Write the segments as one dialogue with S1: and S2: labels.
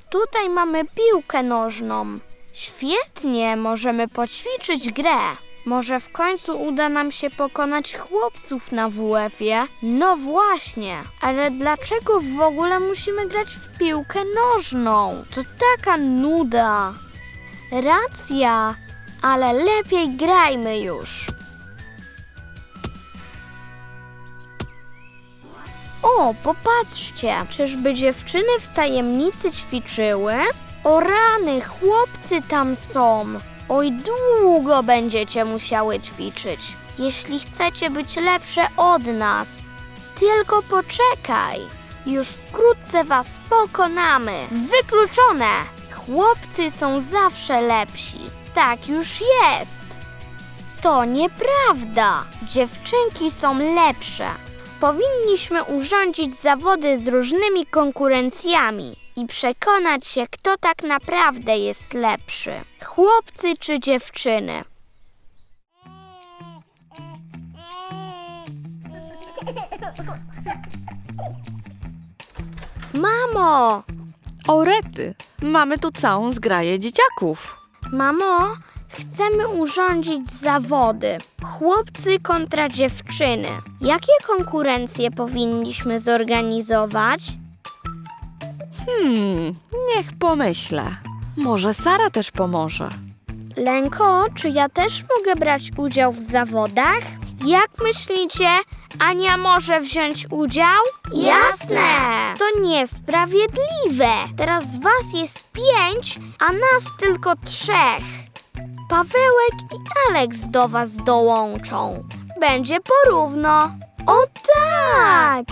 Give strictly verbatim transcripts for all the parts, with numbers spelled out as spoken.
S1: tutaj mamy piłkę nożną. Świetnie, możemy poćwiczyć grę. Może w końcu uda nam się pokonać chłopców na W F-ie? No właśnie, ale dlaczego w ogóle musimy grać w piłkę nożną? To taka nuda. Racja, ale lepiej grajmy już. O, popatrzcie, czyżby dziewczyny w tajemnicy ćwiczyły? O rany, chłopcy tam są. Oj, długo będziecie musiały ćwiczyć, jeśli chcecie być lepsze od nas. Tylko poczekaj, już wkrótce was pokonamy. Wykluczone! Chłopcy są zawsze lepsi. Tak już jest. To nieprawda. Dziewczynki są lepsze. Powinniśmy urządzić zawody z różnymi konkurencjami i przekonać się, kto tak naprawdę jest lepszy. Chłopcy czy dziewczyny? Mamo!
S2: O rety, mamy tu całą zgraję dzieciaków.
S1: Mamo, chcemy urządzić zawody. Chłopcy kontra dziewczyny. Jakie konkurencje powinniśmy zorganizować?
S2: Hmm, niech pomyślę. Może Sara też pomoże.
S1: Lenko, czy ja też mogę brać udział w zawodach? Jak myślicie, Ania może wziąć udział? Jasne! To niesprawiedliwe. Teraz was jest pięć, a nas tylko trzech. Pawełek i Aleks do was dołączą. Będzie porówno. O tak!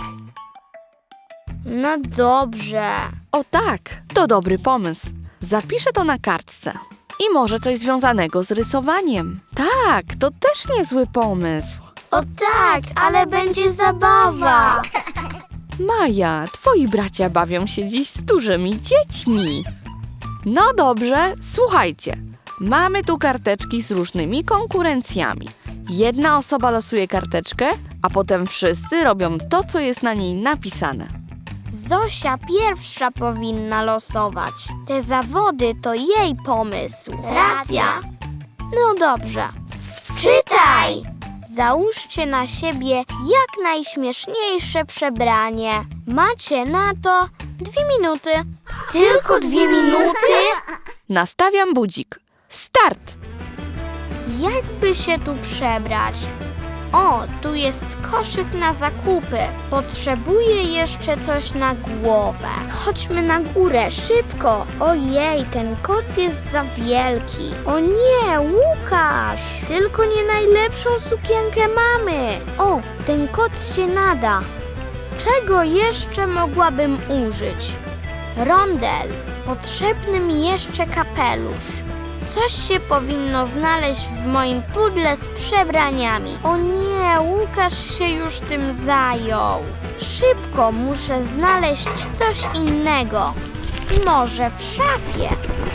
S1: No dobrze.
S2: O tak, to dobry pomysł. Zapiszę to na kartce. I może coś związanego z rysowaniem. Tak, to też niezły pomysł.
S1: O tak, ale będzie zabawa.
S2: Maja, twoi bracia bawią się dziś z dużymi dziećmi. No dobrze, słuchajcie. Mamy tu karteczki z różnymi konkurencjami. Jedna osoba losuje karteczkę, a potem wszyscy robią to, co jest na niej napisane.
S1: Zosia pierwsza powinna losować. Te zawody to jej pomysł. Racja. No dobrze. Czytaj! Załóżcie na siebie jak najśmieszniejsze przebranie. Macie na to dwie minuty. Tylko dwie minuty?
S2: Nastawiam budzik. Start!
S1: Jakby się tu przebrać? O, tu jest koszyk na zakupy. Potrzebuję jeszcze coś na głowę. Chodźmy na górę, szybko. Ojej, ten kot jest za wielki. O nie, Łukasz! Tylko nie najlepszą sukienkę mamy. O, ten kot się nada. Czego jeszcze mogłabym użyć? Rondel. Potrzebny mi jeszcze kapelusz. Coś się powinno znaleźć w moim pudle z przebraniami. O nie, Łukasz się już tym zajął. Szybko muszę znaleźć coś innego. Może w szafie.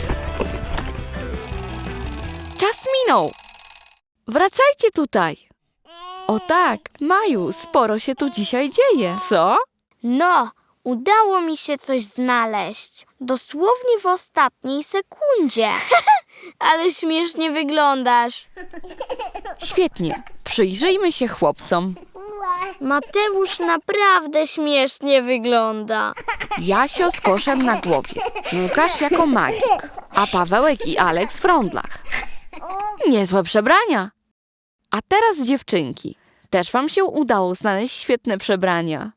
S2: Czas minął. Wracajcie tutaj. O tak, Maju, sporo się tu dzisiaj dzieje. Co?
S1: No, udało mi się coś znaleźć. Dosłownie w ostatniej sekundzie. Ale śmiesznie wyglądasz.
S2: Świetnie. Przyjrzyjmy się chłopcom.
S1: Mateusz naprawdę śmiesznie wygląda.
S2: Jasio z koszem na głowie. Łukasz jako magik. A Pawełek i Aleks w rondlach. Niezłe przebrania. A teraz dziewczynki. Też wam się udało znaleźć świetne przebrania.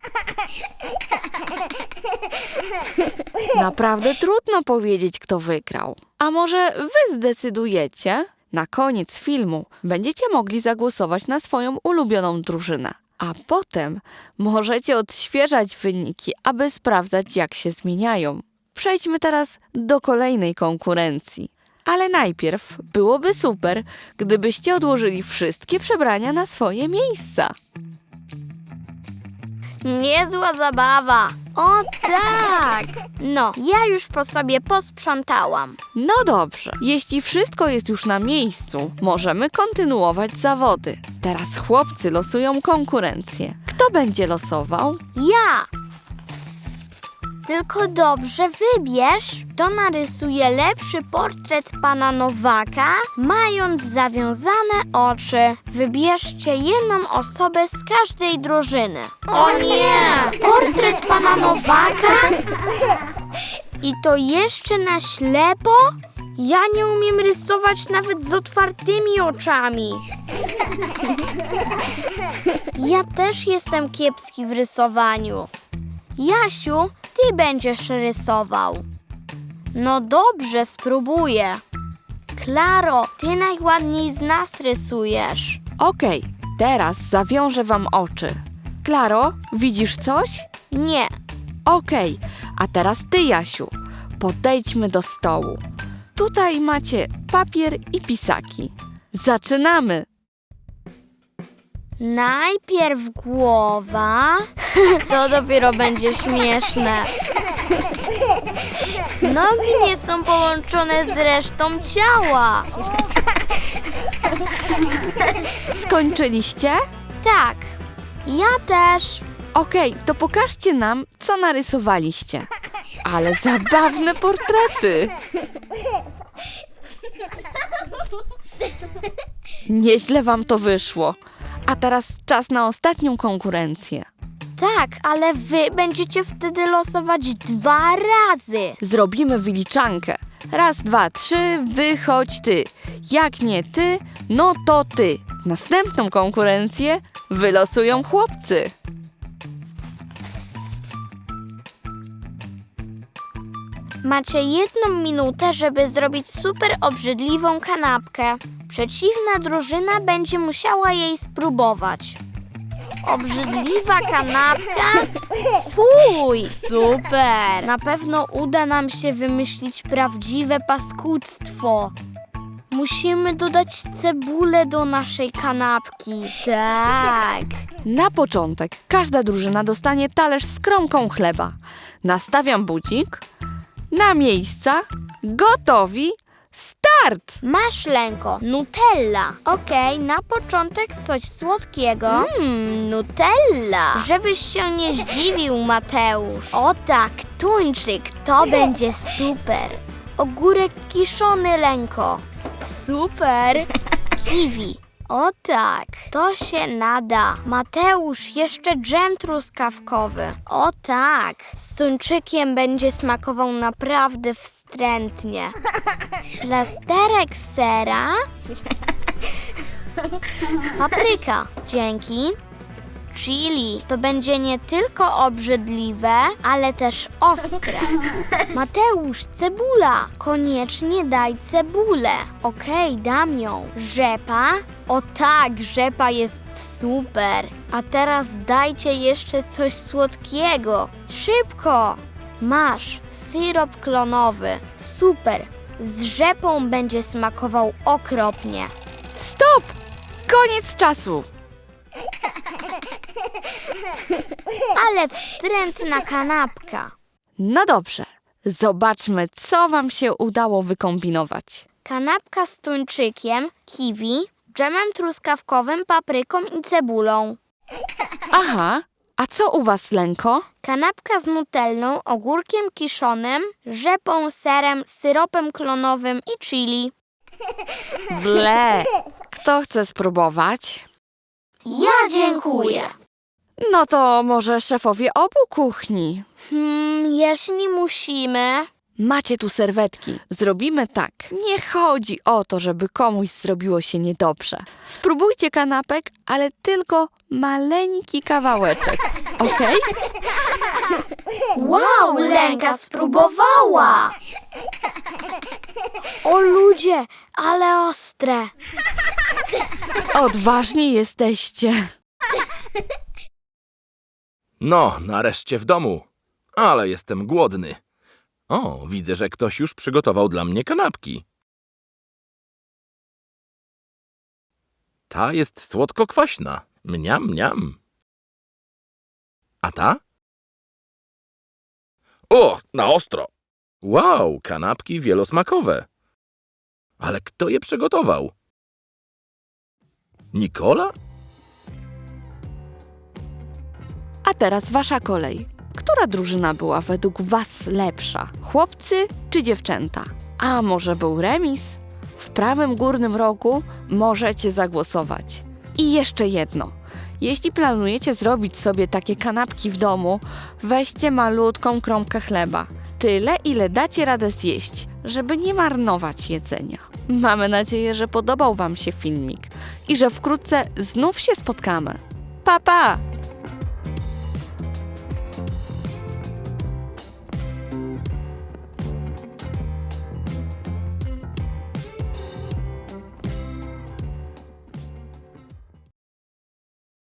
S2: Naprawdę trudno powiedzieć, kto wygrał. A może wy zdecydujecie? Na koniec filmu będziecie mogli zagłosować na swoją ulubioną drużynę. A potem możecie odświeżać wyniki, aby sprawdzać, jak się zmieniają. Przejdźmy teraz do kolejnej konkurencji. Ale najpierw byłoby super, gdybyście odłożyli wszystkie przebrania na swoje miejsca.
S1: Niezła zabawa. O tak! No, ja już po sobie posprzątałam.
S2: No dobrze, jeśli wszystko jest już na miejscu, możemy kontynuować zawody. Teraz chłopcy losują konkurencję. Kto będzie losował?
S1: Ja! Tylko dobrze wybierz, kto narysuje lepszy portret pana Nowaka, mając zawiązane oczy. Wybierzcie jedną osobę z każdej drużyny. O nie! Portret pana Nowaka? I to jeszcze na ślepo? Ja nie umiem rysować nawet z otwartymi oczami. Ja też jestem kiepski w rysowaniu. Jasiu, ty będziesz rysował. No dobrze, spróbuję. Klaro, ty najładniej z nas rysujesz.
S2: Okej, teraz zawiążę wam oczy. Klaro, widzisz coś?
S1: Nie,
S2: Okej, a teraz ty, Jasiu. Podejdźmy do stołu. Tutaj macie papier i pisaki. Zaczynamy!
S1: najpierw głowa. To dopiero będzie śmieszne. Nogi nie są połączone z resztą ciała.
S2: Skończyliście?
S1: Tak, ja też.
S2: Okej, to pokażcie nam, co narysowaliście. Ale zabawne portrety! Nieźle wam to wyszło. A teraz czas na ostatnią konkurencję.
S1: Tak, ale wy będziecie wtedy losować dwa razy.
S2: Zrobimy wyliczankę. Raz, dwa, trzy, wychodź ty. Jak nie ty, no to ty. Następną konkurencję wylosują chłopcy.
S1: Macie jedną minutę, żeby zrobić super obrzydliwą kanapkę. Przeciwna drużyna będzie musiała jej spróbować. Obrzydliwa kanapka? Fuj! Super! Na pewno uda nam się wymyślić prawdziwe paskudztwo. Musimy dodać cebulę do naszej kanapki. Tak.
S2: Na początek każda drużyna dostanie talerz z kromką chleba. Nastawiam budzik. Na miejsca. Gotowi. Start!
S1: Masz, Lenko, Nutella. Okej, na początek coś słodkiego. Mmm, Nutella. Żebyś się nie zdziwił, Mateusz. O tak, tuńczyk, to będzie super. Ogórek kiszony, Lenko. Super. Kiwi. O tak, to się nada. Mateusz, jeszcze dżem truskawkowy. O tak, z tuńczykiem będzie smakował naprawdę wstrętnie. Plasterek sera. Papryka, dzięki. Chili, to będzie nie tylko obrzydliwe, ale też ostre. Mateusz, cebula. Koniecznie daj cebulę. Okej, dam ją. Rzepa? O tak, rzepa jest super. A teraz dajcie jeszcze coś słodkiego. Szybko. Masz, syrop klonowy. Super. Z rzepą będzie smakował okropnie.
S2: Stop! Koniec czasu!
S1: Ale wstrętna kanapka.
S2: No dobrze, zobaczmy, co wam się udało wykombinować.
S1: Kanapka z tuńczykiem, kiwi, dżemem truskawkowym, papryką i cebulą.
S2: Aha, a co u was, Lenko?
S1: Kanapka z nutellą, ogórkiem kiszonym, rzepą, serem, syropem klonowym i chili.
S2: Ble! Kto chce spróbować?
S1: Ja dziękuję.
S2: No to może szefowie obu kuchni.
S1: Hmm, jeśli musimy...
S2: Macie tu serwetki. Zrobimy tak. Nie chodzi o to, żeby komuś zrobiło się niedobrze. Spróbujcie kanapek, ale tylko maleńki kawałeczek. Okej?
S1: Wow, Lenka spróbowała! O ludzie, ale ostre.
S2: Odważni jesteście.
S3: No, nareszcie w domu. Ale jestem głodny. O, widzę, że ktoś już przygotował dla mnie kanapki. Ta jest słodko-kwaśna. Mniam, mniam. A ta? O, na ostro. Wow, kanapki wielosmakowe. Ale kto je przygotował? Nikola?
S2: A teraz wasza kolej. która drużyna była według was lepsza? Chłopcy czy dziewczęta? A może był remis? W prawym górnym rogu możecie zagłosować. I jeszcze jedno. Jeśli planujecie zrobić sobie takie kanapki w domu, weźcie malutką kromkę chleba. Tyle, ile dacie radę zjeść, żeby nie marnować jedzenia. Mamy nadzieję, że podobał wam się filmik i że wkrótce znów się spotkamy. Pa, pa!